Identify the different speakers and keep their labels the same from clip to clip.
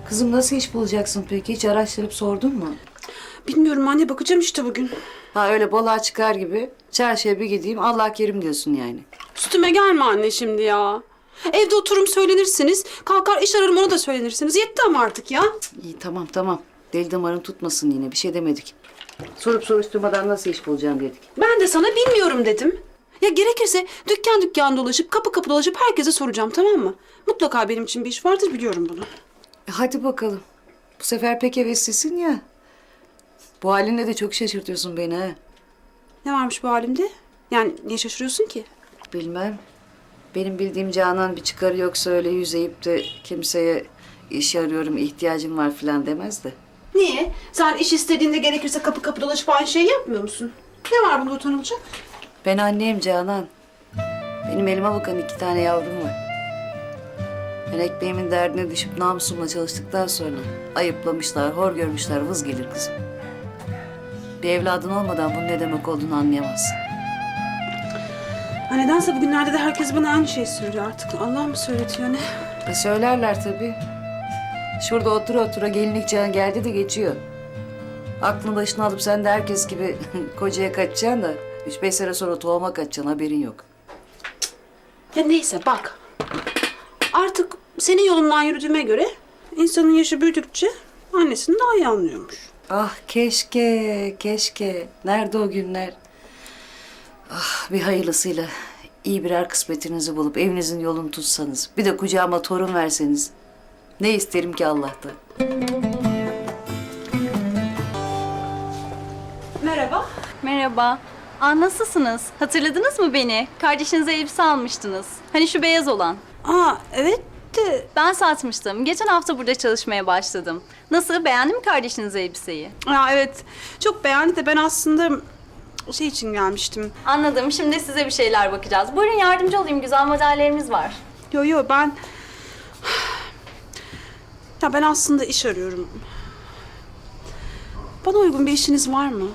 Speaker 1: Kızım nasıl iş bulacaksın peki? Hiç araştırıp sordun mu?
Speaker 2: Bilmiyorum anne, bakacağım işte bugün.
Speaker 1: Ha öyle balığa çıkar gibi çarşıya bir gideyim Allah kerim diyorsun yani.
Speaker 2: Üstüme gelme anne şimdi ya. Evde otururum söylenirsiniz. Kalkar iş ararım ona da söylenirsiniz. Yetti ama artık ya.
Speaker 1: İyi tamam. Deli damarın tutmasın yine bir şey demedik. Sorup soruşturmadan nasıl iş bulacağım dedik.
Speaker 2: Ben de sana bilmiyorum dedim. Ya gerekirse dükkan dükkan dolaşıp kapı kapı dolaşıp herkese soracağım, tamam mı? Mutlaka benim için bir iş vardır, biliyorum bunu.
Speaker 1: Hadi bakalım. Bu sefer pek heveslisin ya. Bu halinle de çok şaşırtıyorsun beni ha.
Speaker 2: Ne varmış bu halimde? Yani niye şaşırıyorsun ki?
Speaker 1: Bilmem. Benim bildiğim Canan bir çıkarı yoksa öyle yüzeyip de kimseye iş arıyorum, ihtiyacım var falan demez de.
Speaker 2: Niye? Sen iş istediğinde gerekirse kapı kapı dolaşıp aynı şeyi yapmıyor musun? Ne var bunda utanılacak?
Speaker 1: Ben anneyim Canan. Benim elime bakan 2 tane yavrum var. Ben ekmeğimin derdine düşüp namusumla çalıştıktan sonra ayıplamışlar, hor görmüşler, vız gelir kızım. Bir evladın olmadan bunun ne demek olduğunu anlayamazsın.
Speaker 2: Ha, nedense bugünlerde de herkes bana aynı şeyi söylüyor artık. Allah mı söyletiyor ne?
Speaker 1: Söylerler tabii. Şurada otura gelinlik çağın geldi de geçiyor. Aklını başına alıp sen de herkes gibi kocaya kaçacaksın da 3-5 sene sonra tohuma kaçacaksın, haberin yok.
Speaker 2: Ya neyse bak. Artık senin yolundan yürüdüğüme göre insanın yaşı büyüdükçe annesini daha iyi anlıyormuş.
Speaker 1: Ah keşke. Nerede o günler? Ah bir hayırlısıyla iyi birer kısmetinizi bulup evinizin yolunu tutsanız. Bir de kucağıma torun verseniz. Ne isterim ki Allah'tan.
Speaker 2: Merhaba.
Speaker 3: Merhaba. Nasılsınız? Hatırladınız mı beni? Kardeşinize elbise almıştınız. Hani şu beyaz olan.
Speaker 2: Evet de...
Speaker 3: Ben satmıştım. Geçen hafta burada çalışmaya başladım. Nasıl? Beğendi mi kardeşiniz elbiseyi?
Speaker 2: Evet. Çok beğendi de ben aslında şey için gelmiştim.
Speaker 3: Anladım. Şimdi size bir şeyler bakacağız. Buyurun yardımcı olayım. Güzel modellerimiz var.
Speaker 2: Yo ben... Ya ben aslında iş arıyorum. Bana uygun bir işiniz var mı?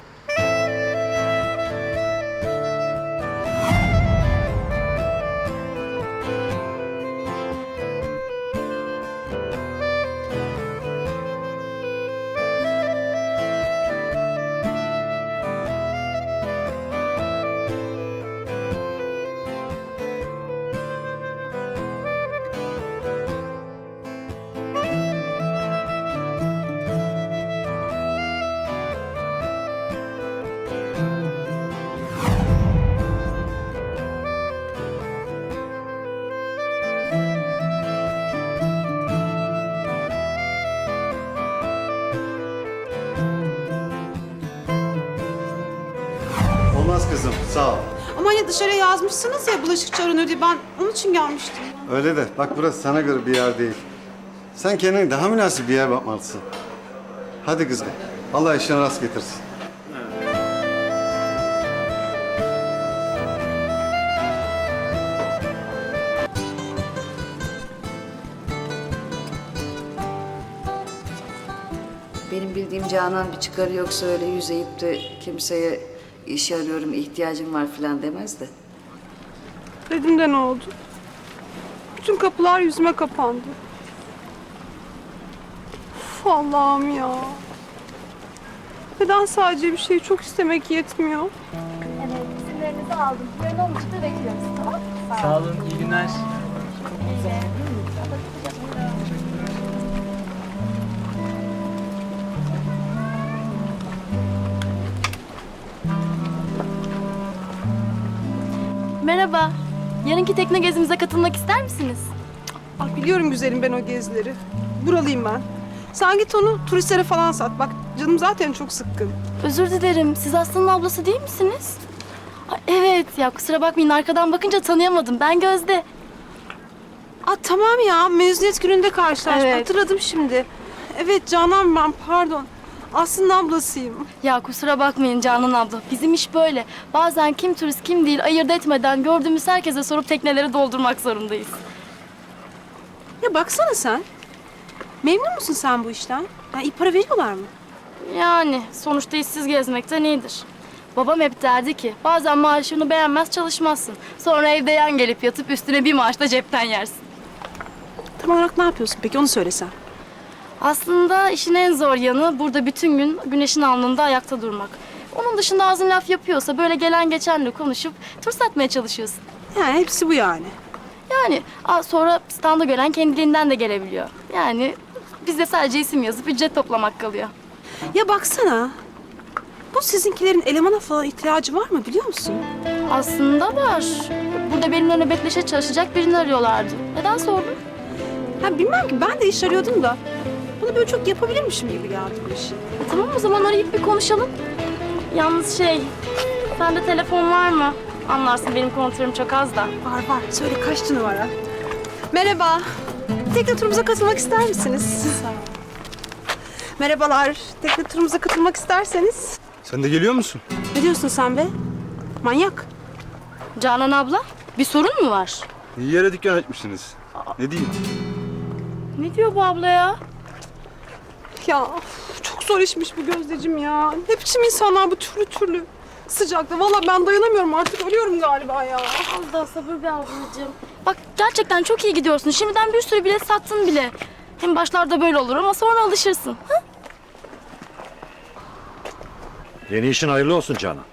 Speaker 4: Olmaz kızım, sağ ol.
Speaker 2: Ama hani dışarıya yazmışsınız ya bulaşıkçı aranıyor diye, ben onun için gelmiştim.
Speaker 4: Öyle de bak burası sana göre bir yer değil. Sen kendine daha münasip bir yer bakmalısın. Hadi kızım, Allah işine rast getirsin.
Speaker 1: Benim bildiğim Canan bir çıkarı yoksa öyle yüzeyip de kimseye iş arıyorum, ihtiyacım var falan demez de.
Speaker 2: Dedim de ne oldu? Bütün kapılar yüzüme kapandı. Uf, Allah'ım ya. Neden sadece bir şeyi çok istemek yetmiyor?
Speaker 5: Evet, isimlerinizi aldım. Yarın 10.30'da bekliyoruz, tamam mı?
Speaker 6: Sağ olun, iyi günler.
Speaker 5: Merhaba. Yarınki tekne gezimize katılmak ister misiniz?
Speaker 2: Ah, biliyorum güzelim ben o gezileri. Buralıyım ben. Sen git onu turistlere falan sat. Bak canım zaten çok sıkkın.
Speaker 5: Özür dilerim. Siz Aslı'nın ablası değil misiniz? Ay, evet ya, kusura bakmayın, arkadan bakınca tanıyamadım. Ben Gözde.
Speaker 2: Tamam ya, mezuniyet gününde karşılaştık.
Speaker 5: Evet.
Speaker 2: Hatırladım şimdi. Evet Canan ben, pardon. Aslında ablasıyım.
Speaker 5: Ya kusura bakmayın Canan abla. Bizim iş böyle. Bazen kim turist kim değil ayırt etmeden gördüğümüz herkese sorup tekneleri doldurmak zorundayız.
Speaker 2: Ya baksana sen. Memnun musun sen bu işten? Ya iyi para veriyorlar mı?
Speaker 5: Yani sonuçta işsiz gezmekten iyidir. Babam hep derdi ki bazen maaşını beğenmez çalışmazsın. Sonra evde yan gelip yatıp üstüne bir maaş da cepten yersin.
Speaker 2: Tam olarak ne yapıyorsun peki, onu söylesen.
Speaker 5: Aslında işin en zor yanı burada bütün gün güneşin alnında ayakta durmak. Onun dışında ağzın laf yapıyorsa böyle gelen geçenle konuşup tur satmaya çalışıyorsun.
Speaker 2: Yani hepsi bu yani.
Speaker 5: Yani sonra standa gören kendiliğinden de gelebiliyor. Yani bizde sadece isim yazıp ücret toplamak kalıyor.
Speaker 2: Ya baksana. Bu sizinkilerin elemana falan ihtiyacı var mı biliyor musun?
Speaker 5: Aslında var. Burada benimle nöbetleşe çalışacak birini arıyorlardı. Neden sordun?
Speaker 2: Ha bilmem ki ben de iş arıyordum da. Bunu böyle çok yapabilirmişim gibi geldi bu işi.
Speaker 5: Tamam o zaman arayıp bir konuşalım. Yalnız sende telefon var mı? Anlarsın benim kontörüm çok az da.
Speaker 2: Var. Söyle kaç numara? Merhaba. Tekne turumuza katılmak ister misiniz? Merhabalar. Tekne turumuza katılmak isterseniz.
Speaker 6: Sen de geliyor musun?
Speaker 2: Ne diyorsun sen be? Manyak.
Speaker 5: Canan abla, bir sorun mu var?
Speaker 6: İyi yere dükkan açmışsınız. Ne diyeyim?
Speaker 5: Ne diyor bu abla ya?
Speaker 2: Ya of, çok zor işmiş bu Gözdeciğim ya. Ne biçim insanlar bu türlü. Sıcakta. Vallahi ben dayanamıyorum artık. Ölüyorum galiba ya.
Speaker 5: Az daha sabır be ablacığım. Bak gerçekten çok iyi gidiyorsun. Şimdiden bir sürü bilet sattın bile. Hem başlarda böyle olur ama sonra alışırsın. Ha?
Speaker 7: Yeni işin hayırlı olsun Canan.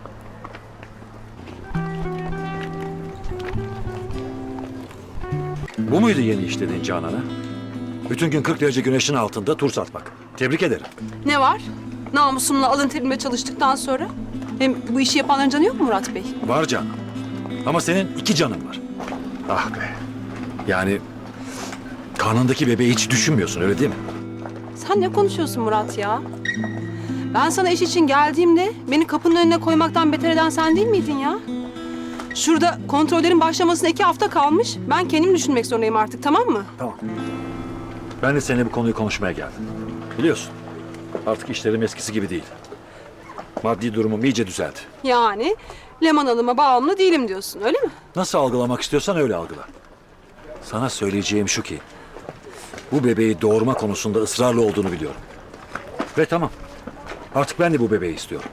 Speaker 7: Bu muydu yeni iş dediğin Canan'a? Bütün gün 40 derece güneşin altında tur satmak. Tebrik ederim.
Speaker 2: Ne var? Namusumla alın terimle çalıştıktan sonra. Hem bu işi yapanların canı yok mu Murat Bey?
Speaker 7: Var Canan. Ama senin 2 canın var. Ah be. Yani karnındaki bebeği hiç düşünmüyorsun öyle değil mi?
Speaker 2: Sen ne konuşuyorsun Murat ya? Ben sana iş için geldiğimde beni kapının önüne koymaktan beter eden sen değil miydin ya? Şurada kontrollerin başlamasına 2 hafta kalmış. Ben kendim düşünmek zorundayım artık, tamam mı?
Speaker 7: Tamam. Ben de seninle bu konuyu konuşmaya geldim. Biliyorsun artık işlerim eskisi gibi değil. Maddi durumum iyice düzeldi.
Speaker 2: Yani Leman Hanım'a bağımlı değilim diyorsun, öyle mi?
Speaker 7: Nasıl algılamak istiyorsan öyle algıla. Sana söyleyeceğim şu ki... ...bu bebeği doğurma konusunda ısrarlı olduğunu biliyorum. Ve tamam. Artık ben de bu bebeği istiyorum.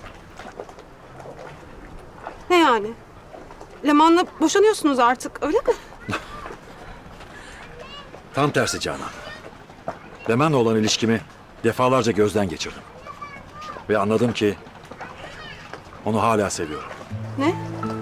Speaker 2: Ne yani? Leman'la boşanıyorsunuz artık, öyle mi?
Speaker 7: Tam tersi Canan. Leman'la olan ilişkimi defalarca gözden geçirdim. Ve anladım ki... ...onu hala seviyorum.
Speaker 2: Ne?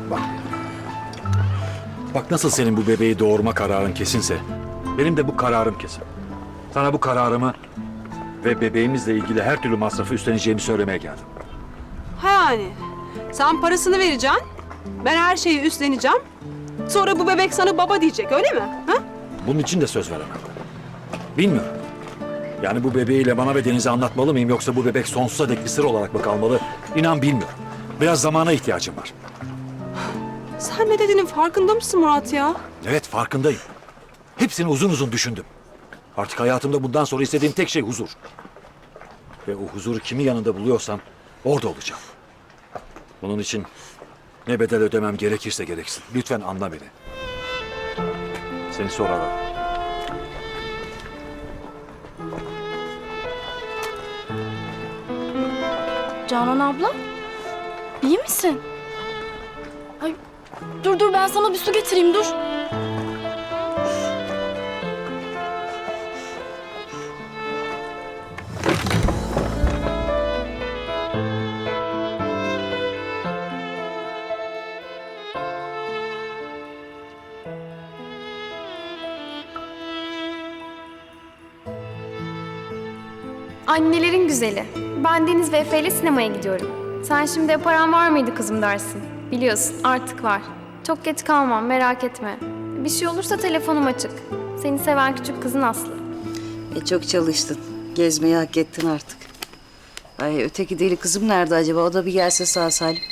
Speaker 7: Bak nasıl senin bu bebeği doğurma kararın kesinse... ...benim de bu kararım kesin. Sana bu kararımı... ...ve bebeğimizle ilgili her türlü masrafı üstleneceğimi söylemeye geldim.
Speaker 2: Ha yani. Sen parasını vereceksin, ben her şeyi üstleneceğim. Sonra bu bebek sana baba diyecek, öyle mi? Ha?
Speaker 7: Bunun için de söz veremem. Bilmiyorum. Yani bu bebeği Leman'a ve Deniz'e anlatmalı mıyım... ...yoksa bu bebek sonsuza dek bir sır olarak mı kalmalı... ...İnan bilmiyorum. Biraz zamana ihtiyacım var.
Speaker 2: Sen ne dediğinin farkında mısın Murat ya?
Speaker 7: Evet farkındayım. Hepsini uzun uzun düşündüm. Artık hayatımda bundan sonra istediğim tek şey huzur. Ve o huzuru kimin yanında buluyorsam orada olacağım. Bunun için ne bedel ödemem gerekirse gereksin. Lütfen anla beni. Seni sonra ararım.
Speaker 5: Canan abla, iyi misin? Ay, dur ben sana bir su getireyim dur.
Speaker 8: Annelerin güzeli. Ben Deniz ve Efe ile sinemaya gidiyorum. Sen şimdi paran var mıydı kızım dersin. Biliyorsun artık var. Çok geç kalmam merak etme. Bir şey olursa telefonum açık. Seni seven küçük kızın Aslı.
Speaker 1: Çok çalıştın. Gezmeyi hak ettin artık. Ay öteki deli kızım nerede acaba? O da bir gelse sağ salim.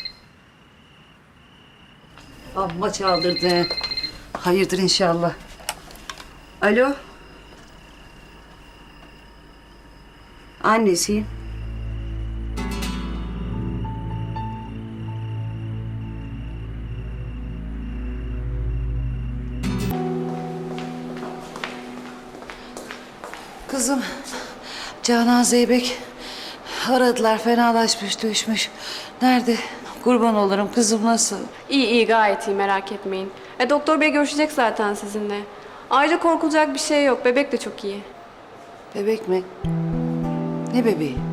Speaker 1: Amma çaldırdı. Hayırdır inşallah. Alo. Annesiyim. Kızım, Canan Zeybek aradılar, fenalaşmış, düşmüş. Nerede? Kurban olurum, kızım nasıl?
Speaker 9: İyi gayet iyi merak etmeyin. Doktor bey görüşecek zaten sizinle. Ayrıca korkulacak bir şey yok. Bebek de çok iyi.
Speaker 1: Bebek mi? Ne bebeği?